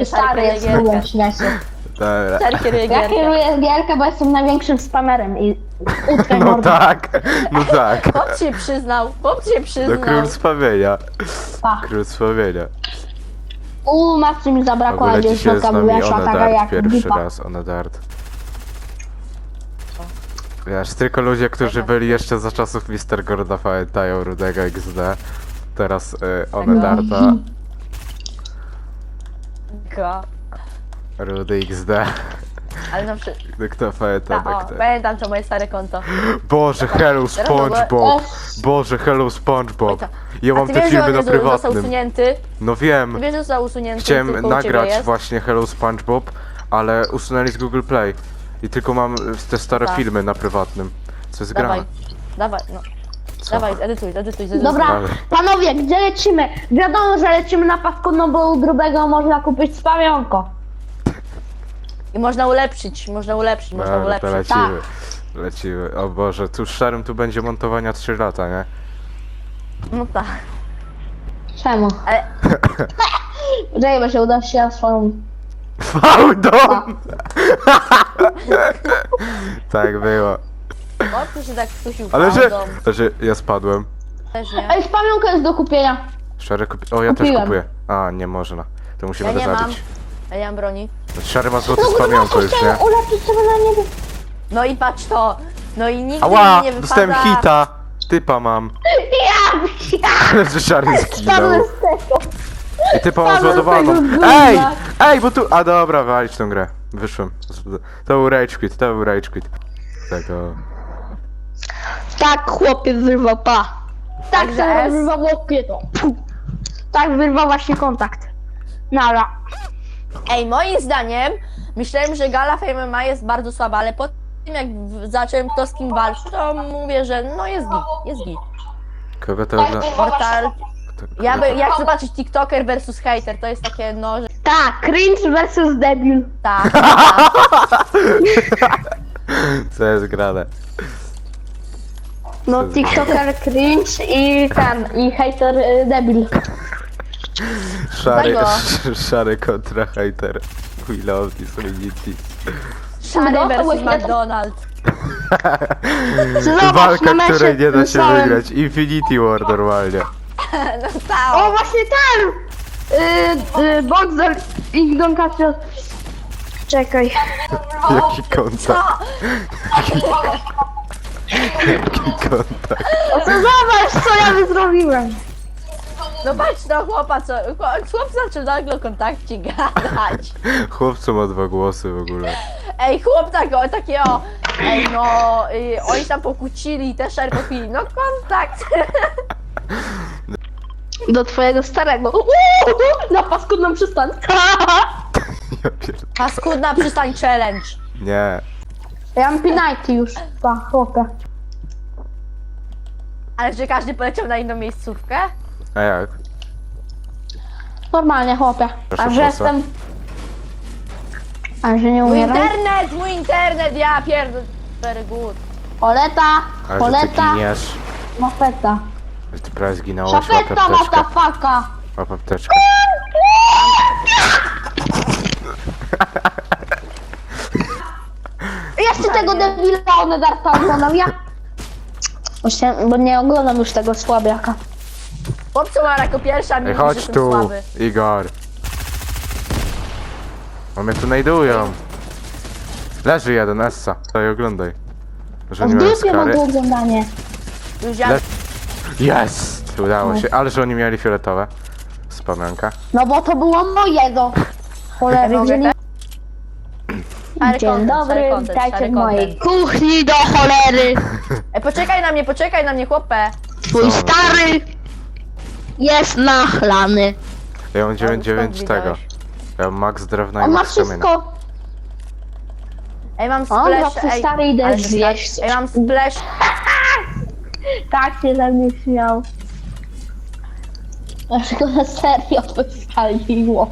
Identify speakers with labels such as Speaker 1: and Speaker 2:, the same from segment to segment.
Speaker 1: Jaki stary jest w śmieci.
Speaker 2: Dobra.
Speaker 3: Stary kieruje
Speaker 1: Ja
Speaker 3: gierkę.
Speaker 1: kieruję gierkę, bo jestem największym spamerem i utkaj
Speaker 2: No
Speaker 1: mordę.
Speaker 2: tak, no tak.
Speaker 3: Chłop się przyznał, chłop się
Speaker 2: No
Speaker 3: przyznał.
Speaker 2: król wspomnienia.
Speaker 1: Pa.
Speaker 2: Król wspomnienia.
Speaker 1: Matce mi
Speaker 2: W
Speaker 1: zabrakło, a
Speaker 2: ogóle dzisiaj
Speaker 1: dziewczynka
Speaker 2: z nami
Speaker 1: wyszła taka
Speaker 2: Onedart,
Speaker 1: jak
Speaker 2: pierwszy
Speaker 1: bipa.
Speaker 2: raz Onedart. Wiesz, tylko ludzie, którzy byli jeszcze za czasów Mr. Gorda pamiętają Rudego XD. Teraz Onedarta.
Speaker 3: Go.
Speaker 2: Rudy XD.
Speaker 3: Ale na przykład...
Speaker 2: Kto pamięta,
Speaker 3: O,
Speaker 2: tak.
Speaker 3: pamiętam to moje stare konto.
Speaker 2: Boże, hello
Speaker 3: Teraz w ogóle-
Speaker 2: SpongeBob! Boże, hello SpongeBob! Ja
Speaker 3: A
Speaker 2: mam
Speaker 3: ty
Speaker 2: te
Speaker 3: wiesz, że
Speaker 2: filmy
Speaker 3: on
Speaker 2: na
Speaker 3: jest został
Speaker 2: prywatnym.
Speaker 3: usunięty?
Speaker 2: No
Speaker 3: Ty
Speaker 2: wiem.
Speaker 3: wiesz, że został usunięty?
Speaker 2: Chciałem
Speaker 3: tylko u ciebie
Speaker 2: nagrać
Speaker 3: jest?
Speaker 2: właśnie Hello SpongeBob, ale usunęli z Google Play. I tylko mam te stare
Speaker 3: Tak.
Speaker 2: filmy na prywatnym. Co jest
Speaker 3: Dawaj,
Speaker 2: grane?
Speaker 3: dawaj, no.
Speaker 2: Co?
Speaker 3: Dawaj, edytuj.
Speaker 1: Dobra,
Speaker 2: Dalej.
Speaker 1: panowie, gdzie lecimy? Wiadomo, że lecimy na paskudno, bo u grubego można kupić spamionko.
Speaker 3: I można ulepszyć, można
Speaker 2: Dobra, to
Speaker 3: ulepszyć.
Speaker 2: lecimy. Lecimy. O Boże, tu z Szarym tu będzie montowania 3 lata, nie?
Speaker 3: No tak.
Speaker 1: Czemu?
Speaker 3: Ale
Speaker 1: Poczekaj, bo się uda się swoją...
Speaker 2: Fałdom! Tak było.
Speaker 3: chłop się tak skusił
Speaker 2: Ale że...
Speaker 3: fałdą.
Speaker 2: Że ja spadłem.
Speaker 3: Też nie.
Speaker 1: Ej, spamionka jest do kupienia.
Speaker 2: Szary kupi... O, ja też
Speaker 1: Kupiłem.
Speaker 2: kupuję. A, nie można. To musimy
Speaker 3: Ja
Speaker 2: go
Speaker 3: nie mam.
Speaker 2: zabić.
Speaker 3: Ja nie mam broni.
Speaker 2: Szary ma złoty z
Speaker 1: No
Speaker 2: pamiątką
Speaker 1: grubo,
Speaker 2: już, nie?
Speaker 1: chciałem uleczyć sobie na niebie.
Speaker 3: No i patrz to. No i nigdy
Speaker 2: Ała!
Speaker 3: mi nie wypada...
Speaker 2: Dostałem hita! Typa mam.
Speaker 1: Ja!
Speaker 2: Ale że Szary zginął.
Speaker 1: Spadłem z tego.
Speaker 2: I typa mam
Speaker 1: Spadłem z
Speaker 2: zładowaną.
Speaker 1: tego gówna.
Speaker 2: Ej! Ej, bo tu... A dobra, walić tą grę. Wyszłem. To był rage quit, to był rage quit. Tego...
Speaker 1: Tak, chłopie wyrwał, pa. Tak
Speaker 3: Także
Speaker 1: sobie
Speaker 3: S.
Speaker 1: wyrwał łokieto. Tak wyrwał właśnie kontakt. Nara.
Speaker 3: Ej, moim zdaniem, myślałem, że Gala Fame MMA jest bardzo słaba, ale po tym jak zacząłem kto z kim walczyć, to mówię, że no jest git, jest git.
Speaker 2: Kogo to ogląda?
Speaker 3: Portal...
Speaker 2: Kto-
Speaker 3: Ja jak zobaczyć TikToker versus hater, to jest takie no, że
Speaker 1: Tak, cringe versus debil.
Speaker 3: tak.
Speaker 2: Co jest grane?
Speaker 1: No, TikToker cringe i i hater debil.
Speaker 2: Szary,
Speaker 3: Tego.
Speaker 2: szary kontra hater. We love this community.
Speaker 3: Szary
Speaker 1: No, to
Speaker 3: versus
Speaker 1: właśnie-
Speaker 3: McDonald's.
Speaker 1: Zobacz,
Speaker 2: Walka,
Speaker 1: na mecie
Speaker 2: której nie da się
Speaker 1: wysłałem.
Speaker 2: wygrać. Infinity War normalnie.
Speaker 3: No
Speaker 1: O,
Speaker 3: stało.
Speaker 1: właśnie ten! Boxer i Don Casio. Czekaj.
Speaker 2: Jaki kontakt. Jaki kontakt.
Speaker 1: O, to zobacz, co ja zrobiłem.
Speaker 3: No patrz no chłopa, co... Chłop zaczął nagle o kontakcie gadać.
Speaker 2: Chłopcu ma 2 głosy w ogóle.
Speaker 3: Ej, chłop takie o... Ej, no... oni tam pokłócili, też szary popili. No kontakt.
Speaker 1: Do twojego starego. Na paskudną przystań.
Speaker 2: Ja pierd...
Speaker 3: Paskudna przystań challenge.
Speaker 2: Nie.
Speaker 1: Ja mam pinajty już. Pa, chłopie.
Speaker 3: Ale czy każdy poleciał na inną miejscówkę?
Speaker 2: A jak?
Speaker 1: Normalnie, chłopie.
Speaker 2: Proszę,
Speaker 1: A że
Speaker 2: po co?
Speaker 1: jestem... A że nie umieram?
Speaker 3: Mój internet, ja pierdolę. Very good.
Speaker 1: Poleta,
Speaker 2: Ale że ty
Speaker 1: poleta,
Speaker 2: giniesz.
Speaker 1: mafeta.
Speaker 2: Że ty prawie zginąłeś. Łap
Speaker 1: Szafeta,
Speaker 2: apteczkę.
Speaker 1: motherfucka.
Speaker 2: Łap apteczkę.
Speaker 1: Jeszcze tego debila Onedarta oglądam, ja... Właśnie, bo nie oglądam już tego słabiaka.
Speaker 3: Chłopcu ma jako pierwsza,
Speaker 2: Ej,
Speaker 3: mi
Speaker 2: chodź
Speaker 3: że jestem
Speaker 2: tu,
Speaker 3: słaby.
Speaker 2: Igor. Bo mnie tu znajdują. Leży jeden, Essa. Daj, oglądaj. Że
Speaker 1: W
Speaker 2: nie miałem
Speaker 1: dupie mam
Speaker 2: skary.
Speaker 1: to oglądanie.
Speaker 3: Już ja...
Speaker 2: Le- Jest! Udało się, ale że oni mieli fioletowe. Wspomnianka.
Speaker 1: No bo to było mojego. Cholery,
Speaker 3: Mogę
Speaker 1: wzięli...
Speaker 3: Szary
Speaker 1: Dzień
Speaker 3: content,
Speaker 1: dobry,
Speaker 3: szary content,
Speaker 1: witajcie
Speaker 3: szary
Speaker 1: w mojej
Speaker 3: content.
Speaker 1: kuchni do cholery.
Speaker 3: Ej, poczekaj na mnie, chłopie.
Speaker 1: Twój
Speaker 2: Co?
Speaker 1: stary jest nachlany.
Speaker 2: Ja mam 9-9
Speaker 3: skąd
Speaker 2: tego.
Speaker 3: widziałeś?
Speaker 2: Ja mam max drewna i
Speaker 1: On ma
Speaker 2: max kamienia.
Speaker 1: wszystko.
Speaker 3: Ej, mam
Speaker 1: O,
Speaker 3: splash,
Speaker 1: twój stary idę
Speaker 3: ale
Speaker 1: zjeść.
Speaker 3: Ej, mam splash.
Speaker 1: Tak się ze mnie śmiał. Aż go na serio wyskaliło.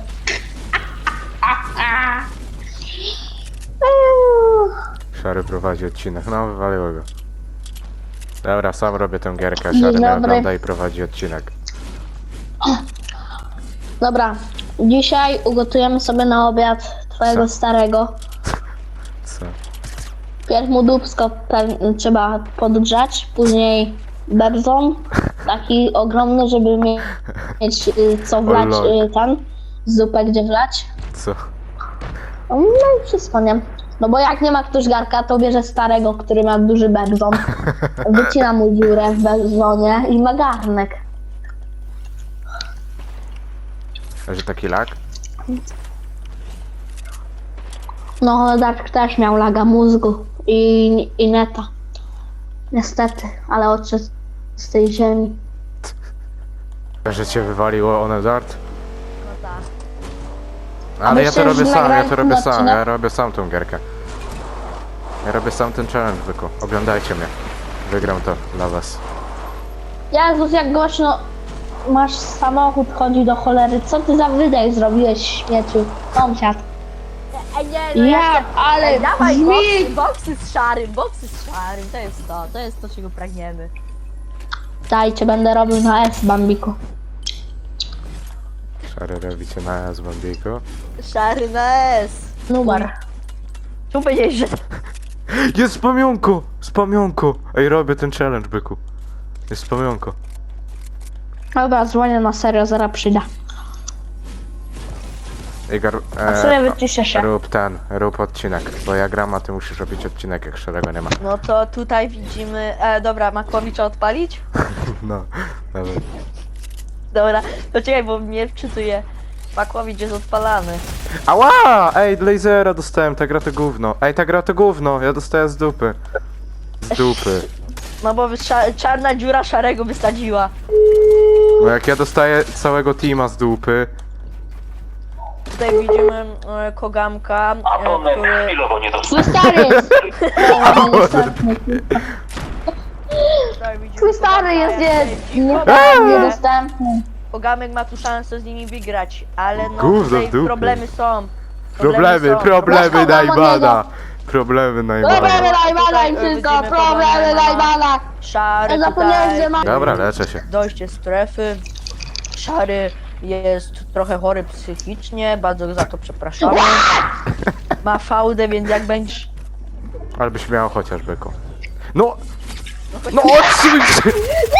Speaker 2: Szary prowadzi odcinek. No, wywaliło go. Dobra, sam robię tę gierkę.
Speaker 1: Dzień
Speaker 2: Szary mnie
Speaker 1: dobry.
Speaker 2: ogląda i prowadzi odcinek.
Speaker 1: Dobra, Dzisiaj ugotujemy sobie na obiad twojego
Speaker 2: Co?
Speaker 1: starego.
Speaker 2: Co?
Speaker 1: Pierw mu dupsko trzeba podgrzać, później berzon, taki ogromny, żeby mieć co wlać,
Speaker 2: lol.
Speaker 1: ten, zupę gdzie wlać.
Speaker 2: Co?
Speaker 1: No i wszystko, nie? No bo jak nie ma ktoś garka, to bierze starego, który ma duży berzon, wycina mu dziurę w berzonie i ma garnek.
Speaker 2: Że taki lag?
Speaker 1: No, Dark też miał laga mózgu i neta. Niestety, ale odszedł z tej ziemi.
Speaker 2: Że cię wywaliło one dart?
Speaker 3: No tak.
Speaker 2: Ale ja to
Speaker 1: myślę,
Speaker 2: robię
Speaker 1: że
Speaker 2: sam, ja
Speaker 1: nagrałem
Speaker 2: to robię
Speaker 1: ten
Speaker 2: sam,
Speaker 1: odcinek?
Speaker 2: ja robię sam tą gierkę. Ja robię sam ten challenge, byku. Oglądajcie mnie. Wygram to dla was.
Speaker 1: Jezus, jak głośno masz samochód, chodzi do cholery. Co ty za wydech zrobiłeś, śmieciu? Sąsiad.
Speaker 3: Ej, nie, no
Speaker 1: Ja, ale
Speaker 3: Ej, dawaj
Speaker 1: brzmi...
Speaker 3: boksy z szarym, to jest to, czego pragniemy.
Speaker 1: Dajcie, będę robił na S, Bambiku.
Speaker 2: Szary robicie na z Bambiku.
Speaker 3: Szary na S.
Speaker 1: Numer.
Speaker 3: Tu powiedziałeś, że...
Speaker 2: Jest z pamiątku! Z pamiątku! Ej, robię ten challenge, byku. Jest z pamiątku.
Speaker 1: Dobra, dzwonię na serio, zaraz przyjdę.
Speaker 2: Igor,
Speaker 1: A sobie wyciszę się.
Speaker 2: rób odcinek, bo ja gram, a ty musisz robić odcinek, jak szarego nie ma.
Speaker 3: No to tutaj widzimy... dobra, Makłowicza odpalić?
Speaker 2: No, dobra.
Speaker 3: Dobra, to czekaj, bo mnie wczytuje. Makłowicz jest odpalany.
Speaker 2: Ała! Ej, lasera dostałem, ta gra to gówno. Ej, ta gra to gówno, ja dostaję z dupy. Z dupy.
Speaker 3: No bo czarna dziura szarego wysadziła.
Speaker 2: Bo jak ja dostaję całego teama z dupy...
Speaker 3: Tutaj widzimy Kogamka, który...
Speaker 4: Chwilowo nie
Speaker 1: Twój stary jest...
Speaker 3: Tutaj widzimy
Speaker 1: Twój stary
Speaker 3: Kogamka,
Speaker 1: jest
Speaker 3: jak
Speaker 1: niedostępny.
Speaker 3: Kogamek ma tu szansę z nimi wygrać, ale no
Speaker 2: Gówno
Speaker 3: tutaj
Speaker 2: w dupie.
Speaker 3: problemy są.
Speaker 2: Problemy
Speaker 1: Dostał
Speaker 2: najbana! Problemy najbana.
Speaker 1: Problemy najbana i wszystko, problemy najbana.
Speaker 3: Szary
Speaker 1: Ja zapomniałem,
Speaker 3: tutaj,
Speaker 1: że ma...
Speaker 2: Dobra, leczę się.
Speaker 3: dojście strefy. Szary jest trochę chory psychicznie, bardzo go za to przepraszamy. Ma fałdę, więc jak będziesz...
Speaker 2: Ale byś miał chociaż byku. No! No odsuń się!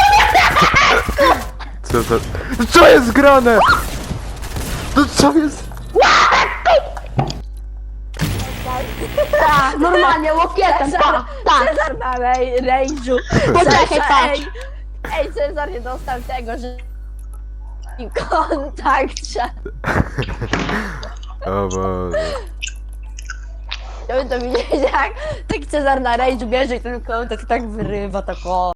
Speaker 2: Co to? Co jest grane? No co jest?
Speaker 1: Tak, normalnie, łokietem, tak, tak.
Speaker 3: Cezar ma rage'u.
Speaker 1: Poczekaj,
Speaker 3: Cezar,
Speaker 1: patrz.
Speaker 3: ej, Cezar nie dostał tego, że... I kontakt.
Speaker 2: O Boże.
Speaker 3: Chciałbym to widzieć, jak tak Cezar na rage'u bierze i ten kontakt tak wyrywa, tak o.